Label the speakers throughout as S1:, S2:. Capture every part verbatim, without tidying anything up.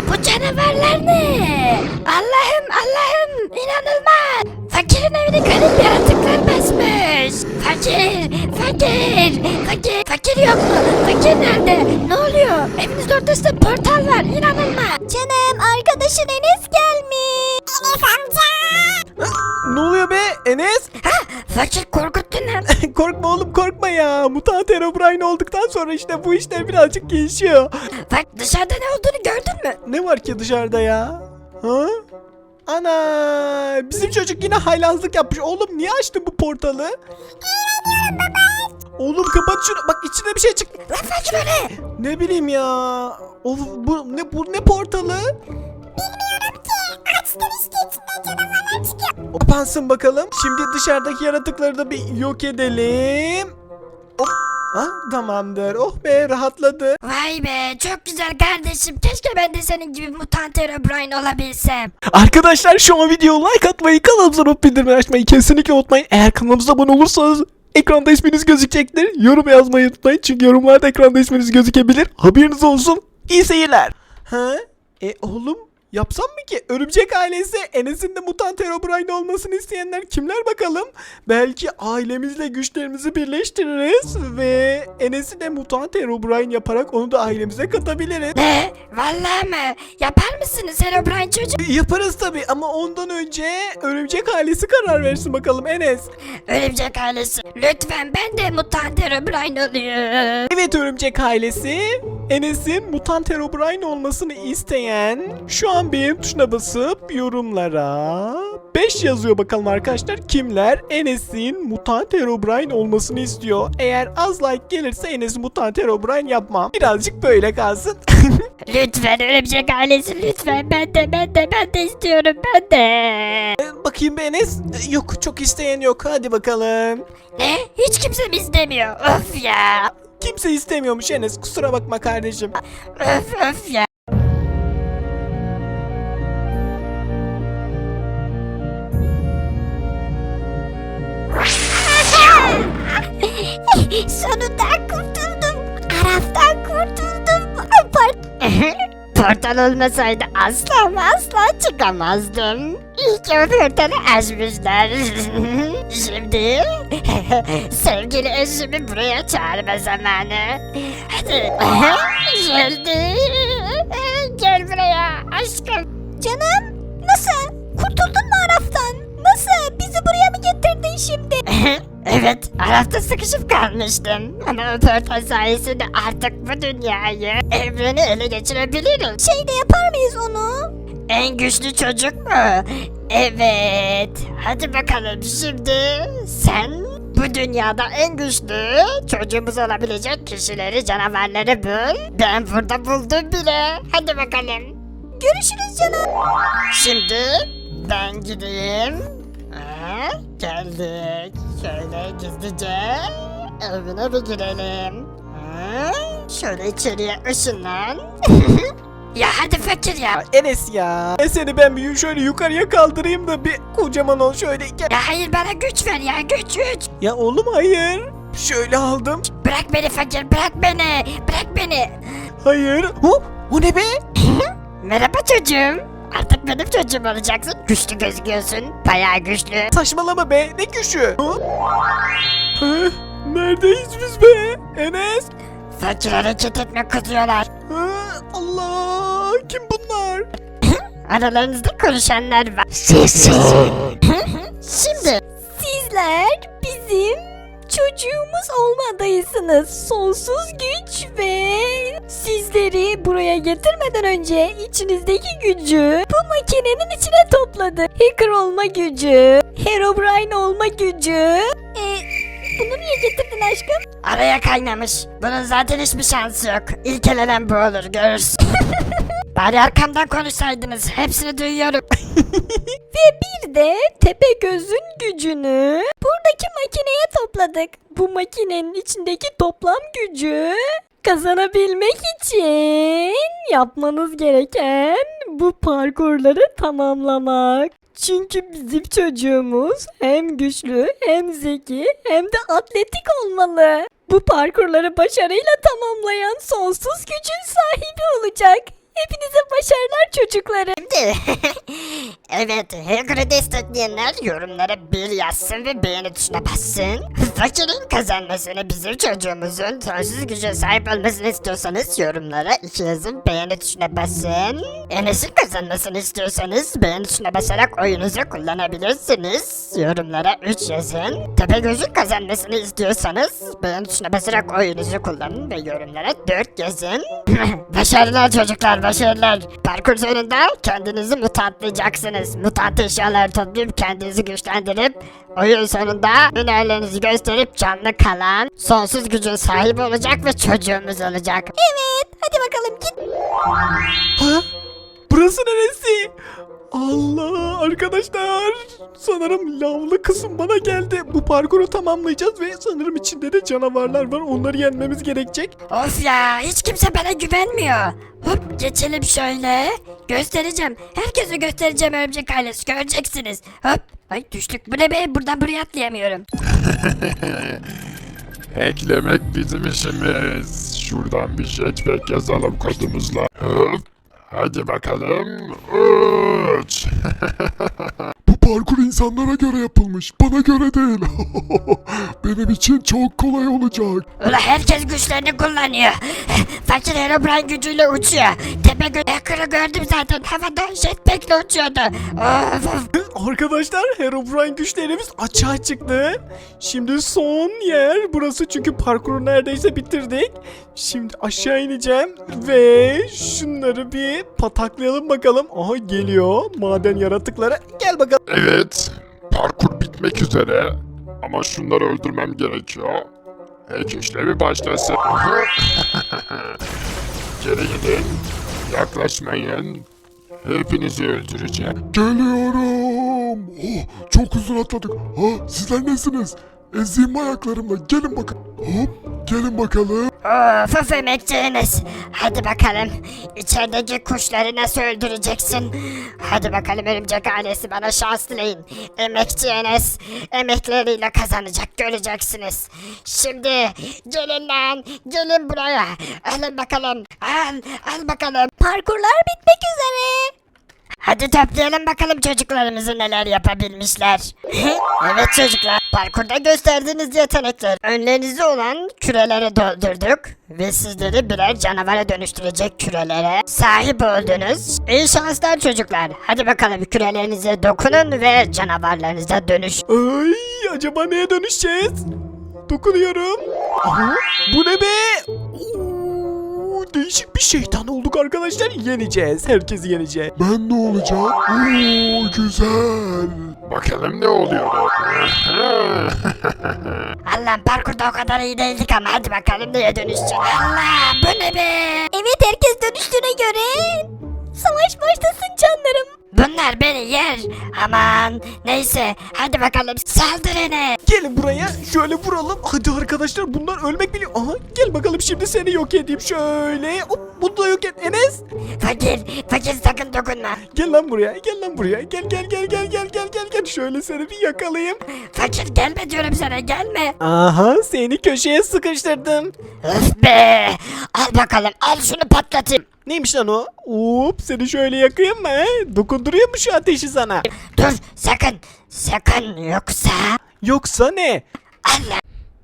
S1: Bu canavarlar ne? Allah'ım Allah'ım inanılmaz. Fakirin evine garip yaratıklar basmış. Fakir, fakir, fakir, fakir yok mu? Fakir nerede? Ne oluyor? Evinizin ortasında portal var. İnanılmaz.
S2: Canım arkadaşın Enes gelmiş. Enes amca.
S3: Ne oluyor be Enes?
S1: Ha, fakir korkuttun lan.
S3: Korkma oğlum korkma ya. Mutant Herobrine olduktan sonra işte bu işler birazcık gelişiyor.
S1: Bak dışarıda ne olduğunu gördün mü?
S3: Ne var ki dışarıda ya? Ha? Ana! Bizim çocuk yine haylazlık yapmış. Oğlum niye açtın bu portalı? Oğlum kapat şunu. Bak içinde bir şey çıktı.
S1: Lan fakir o ne?
S3: Ne bileyim ya. Of bu ne bu ne portalı?
S2: Açtım işte içinden canavarlar çıkıyor.
S3: Kapansın bakalım. Şimdi dışarıdaki yaratıkları da bir yok edelim. Hop. Ha, tamamdır. Oh be rahatladı.
S1: Vay be çok güzel kardeşim. Keşke ben de senin gibi mutant Herobrine olabilsem.
S3: Arkadaşlar şu an videoya like atmayı, kanalımıza not bildirimleri açmayı kesinlikle unutmayın. Eğer kanalımıza abone olursanız ekranda isminiz gözükecektir. Yorum yazmayı unutmayın çünkü yorumlarda ekranda isminiz gözükebilir. Haberiniz olsun. İyi seyirler. Ha? E oğlum yapsam mı ki? Örümcek ailesi Enes'in de mutant Herobrine olmasını isteyenler kimler bakalım? Belki ailemizle güçlerimizi birleştiririz ve Enes'i de mutant Herobrine yaparak onu da ailemize katabiliriz.
S1: Ne? Vallahi mı? Yapar mısınız Herobrine çocuk?
S3: Yaparız tabi ama ondan önce örümcek ailesi karar versin bakalım Enes.
S1: Örümcek ailesi. Lütfen ben de mutant Herobrine olayım.
S3: Evet örümcek ailesi Enes'in mutant Herobrine olmasını isteyen şu an beğen tuşuna basıp yorumlara beş yazıyor bakalım arkadaşlar. Kimler Enes'in mutant Herobrine olmasını istiyor? Eğer az like gelirse Enes'i mutant Herobrine yapmam. Birazcık böyle kalsın.
S1: Lütfen örümcek ailesi lütfen. Ben de ben de ben de istiyorum ben de.
S3: Ee, Bakayım be Enes. Ee, Yok çok isteyen yok. Hadi bakalım.
S1: Ne? Hiç kimse mi istemiyor? Öf ya.
S3: Kimse istemiyormuş Enes. Kusura bakma kardeşim.
S1: Öf öf ya.
S2: Sonunda kurtuldum. Araftan kurtuldum.
S1: Portal olmasaydı asla ama asla çıkamazdım. İyi ki o portalı açmışlar. Şimdi sevgili eşimi buraya çağırma zamanı. Hadi. Geldi. Gel buraya aşkım.
S2: Canım nasıl? Kurtuldun mu Araf'tan? Nasıl? Bizi buraya mı getirdin şimdi?
S1: Evet, Araf'ta sıkışıp kalmıştım. Ama o portal sayesinde artık bu dünyayı, evreni ele geçirebilirim.
S2: Şey de yapar mıyız onu?
S1: En güçlü çocuk mu? Evet. Hadi bakalım şimdi sen bu dünyada en güçlü çocuğumuz olabilecek kişileri, canavarları bul. Ben burada buldum bile. Hadi bakalım.
S2: Görüşürüz canım.
S1: Şimdi ben gideyim. Ha, geldik. Şöyle gizlice evine bir girelim. Ha, şöyle içeriye ışınlan. Ya hadi fakir ya.
S3: Enes ya. E seni ben bir şöyle yukarıya kaldırayım da bir kocaman ol şöyle. Gel.
S1: Ya hayır bana güç ver ya güç güç.
S3: Ya oğlum hayır. Şöyle aldım.
S1: Bırak beni fakir bırak beni. Bırak beni.
S3: Hayır. Hop. O ne be?
S1: Merhaba çocuğum. Artık benim çocuğum olacaksın. Güçlü gözüküyorsun. Bayağı güçlü.
S3: Saçmalama be. Ne güçü? Hı? Hı? Neredeyiz biz be? Enes.
S1: Fakir hareket etme kızıyorlar.
S3: Hı? Allah. Kim bunlar?
S1: Aralarınızda konuşanlar var. Şimdi
S2: Sizler bizim çocuğumuz olmadıyısınız. Sonsuz güç ve sizleri buraya getirmeden önce içinizdeki gücü bu makinenin içine topladı. Hacker olma gücü, Herobrine olma gücü. E, bunu niye getirdin aşkım?
S1: araya kaynamış. Bunun zaten hiçbir şansı yok. İlk elenen bu olur görürsün. Bari arkamdan konuşsaydınız. Hepsini duyuyorum.
S2: Ve bir de Tepegöz'ün gücünü buradaki makineye topladık. Bu makinenin içindeki toplam gücü kazanabilmek için yapmanız gereken bu parkurları tamamlamak. Çünkü bizim çocuğumuz hem güçlü hem zeki hem de atletik olmalı. Bu parkurları başarıyla tamamlayan sonsuz gücün sahibi olacak. Hepinize başarılar çocuklarım.
S1: Evet, Hagrid'i destekleyenler yorumlara bir yazsın ve beğeni tuşuna bassın. Fakirin kazanmasını, bizim çocuğumuzun sonsuz güce sahip olmasını istiyorsanız yorumlara iki yazın, beğeni tuşuna basın. Enes'in kazanmasını istiyorsanız beğeni tuşuna basarak oyunuzu kullanabilirsiniz. Yorumlara üç yazın. Tepegöz'ün kazanmasını istiyorsanız beğeni tuşuna basarak oyunuzu kullanın ve yorumlara dört yazın. Başarılar çocuklar, başarılar. Parkur sonunda kendinizi mutantlayacaksınız. Mutant eşyaları toplayıp kendinizi güçlendirip oyun sonunda hünerlerinizi gösterip canlı kalan sonsuz gücün sahibi olacak ve çocuğumuz olacak.
S2: Evet, hadi bakalım git.
S3: Ha? Burası neresi? Allah arkadaşlar. Sanırım lavlı kısım bana geldi. Bu parkuru tamamlayacağız ve sanırım içinde de canavarlar var. Onları yenmemiz gerekecek.
S1: Of ya, hiç kimse bana güvenmiyor. Hop, geçelim şöyle. Göstereceğim. Herkese göstereceğim örümcek ailesi. Göreceksiniz. Hop. Ay düştük. Bu ne be? Buradan buraya atlayamıyorum.
S4: Eklemek bizim işimiz. Şuradan bir jetpack yazalım kodumuzla. Hop. Hadi bakalım. Uç. Bu parkur insanlara göre yapılmış. Bana göre değil. Benim için çok kolay olacak.
S1: Ulan herkes güçlerini kullanıyor. Fakir Herobrine gücüyle uçuyor. Tepe gö Hacker'ı gördüm zaten. Havada jetpack'le uçuyordu. Of of.
S3: Arkadaşlar Herobrine güçlerimiz açığa çıktı. Şimdi son yer burası çünkü parkuru neredeyse bitirdik. Şimdi aşağı ineceğim ve şunları bir pataklayalım bakalım. Aha geliyor maden yaratıkları. Gel bakalım.
S4: Evet. Parkur bitmek üzere. Ama şunları öldürmem gerekiyor. Hack işlemi başlasın. Geri gidin. Yaklaşmayın. Hepinizi öldüreceğim. Geliyorum. Oh, çok uzun atladık. Ha, sizler nesiniz? Ezeyim ayaklarımla. Gelin bakın. Hop, gelin bakalım.
S1: Of of emekçi Enes. Hadi bakalım. İçerideki kuşları nasıl öldüreceksin? Hadi bakalım örümcek ailesi, bana şans dileyin. Emekçi Enes emekleriyle kazanacak, göreceksiniz. Şimdi gelin lan. Gelin buraya. Alın bakalım. Al. Al bakalım.
S2: Parkurlar bitmek üzere.
S1: Hadi toplayalım bakalım çocuklarımızı neler yapabilmişler. Evet çocuklar, parkurda gösterdiğiniz yetenekler. Önlerinizde olan kürelere doldurduk ve sizleri birer canavara dönüştürecek kürelere sahip oldunuz. İyi şanslar çocuklar. Hadi bakalım kürelerinize dokunun ve canavarlarınıza dönüş.
S3: Ay acaba neye dönüşeceğiz? Dokunuyorum. Aha, bu ne be? Oo, değişik bir şeytan olduk arkadaşlar. Yeneceğiz. Herkesi yeneceğiz.
S4: Ben ne olacağım? Oo, güzel. Bakalım ne oluyor.
S1: Allah'ım, parkurda o kadar iyi değildik ama hadi bakalım neye dönüşeceğiz. Allah, bu ne be?
S2: Evet, herkes dönüştüğüne göre savaş başlasın canlarım.
S1: Bunlar beni yer. Aman neyse, hadi bakalım saldır Enes.
S3: Gelin buraya şöyle vuralım. Hadi arkadaşlar bunlar ölmek biliyor. Aha gel bakalım şimdi seni yok edeyim şöyle. Hop bunu da yok et Enes.
S1: Fakir, fakir sakın dokunma.
S3: Gel lan buraya gel lan buraya. Gel gel gel gel gel gel gel gel. Şöyle seni bir yakalayayım.
S1: Fakir gelme diyorum sana, gelme.
S3: Aha seni köşeye sıkıştırdım.
S1: Öf be. Al bakalım, al şunu patlatayım.
S3: Neymiş lan o? Hop seni şöyle yakayım mı? he? Dokunduruyor mu şu ateşi sana?
S1: Dur sakın, sakın yoksa.
S3: Yoksa ne?
S1: Allah.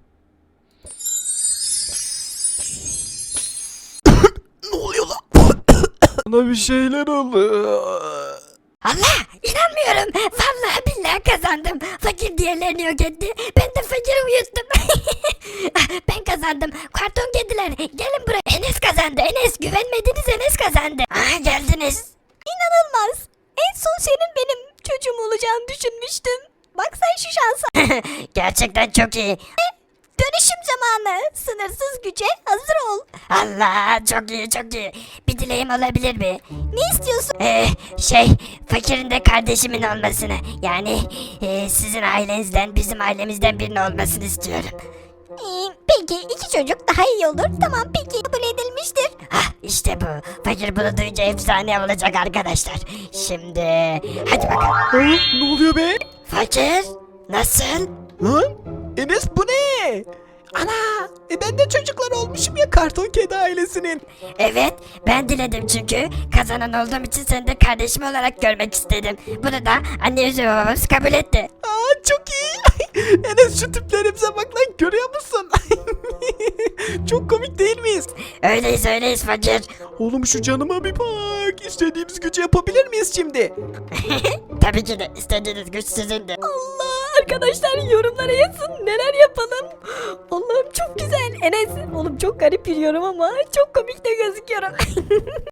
S3: Ne oluyor lan? Bana bir şeyler oldu.
S1: Allah, inanmıyorum. Vallahi billahi kazandım. Fakir diğerlerini yok etti. Ben de fakiri uyuttum. Ben kazandım. Karton kediler gelin buraya. Enes kazandı. Enes, güvenmediniz, Enes kazandı. Aha geldiniz.
S2: İnanılmaz. En son senin benim çocuğum olacağını düşünmüştüm. Bak sen şu şansa.
S1: Gerçekten çok iyi.
S2: Dönüşüm zamanı. Sınırsız güce hazır ol.
S1: Allah, çok iyi çok iyi. Bir dileğim olabilir mi?
S2: Ne istiyorsun?
S1: Ee, şey, fakirin de kardeşimin olmasını. Yani e, sizin ailenizden bizim ailemizden birinin olmasını istiyorum.
S2: Ee, peki iki çocuk daha iyi olur. Tamam peki kabul edilmiştir.
S1: Hah, işte bu. Fakir bunu duyunca efsane olacak arkadaşlar. Şimdi hadi bakalım.
S3: Ha, ne oluyor be?
S1: Fakir nasıl?
S3: Lan Enes bu ne? Ana e ben de çocuklar olmuşum ya karton kedi ailesinin.
S1: Evet, ben diledim çünkü kazanan olduğum için seni de kardeşim olarak görmek istedim. Bunu da anne yüzü babamız kabul etti.
S3: Aa çok iyi. Enes şu tiplerimize bak lan görüyor musun? Çok komik değil miyiz?
S1: Öyleyiz öyleyiz fakir.
S3: Oğlum şu canıma bir bak. İstediğimiz gücü yapabilir miyiz şimdi?
S1: Tabii ki de istediğiniz güç sizindi.
S2: Allah arkadaşlar yorumlara yazın neler yapalım. Allah'ım çok güzel. Enes oğlum çok garip yürüyorum ama çok komik de gözüküyorum.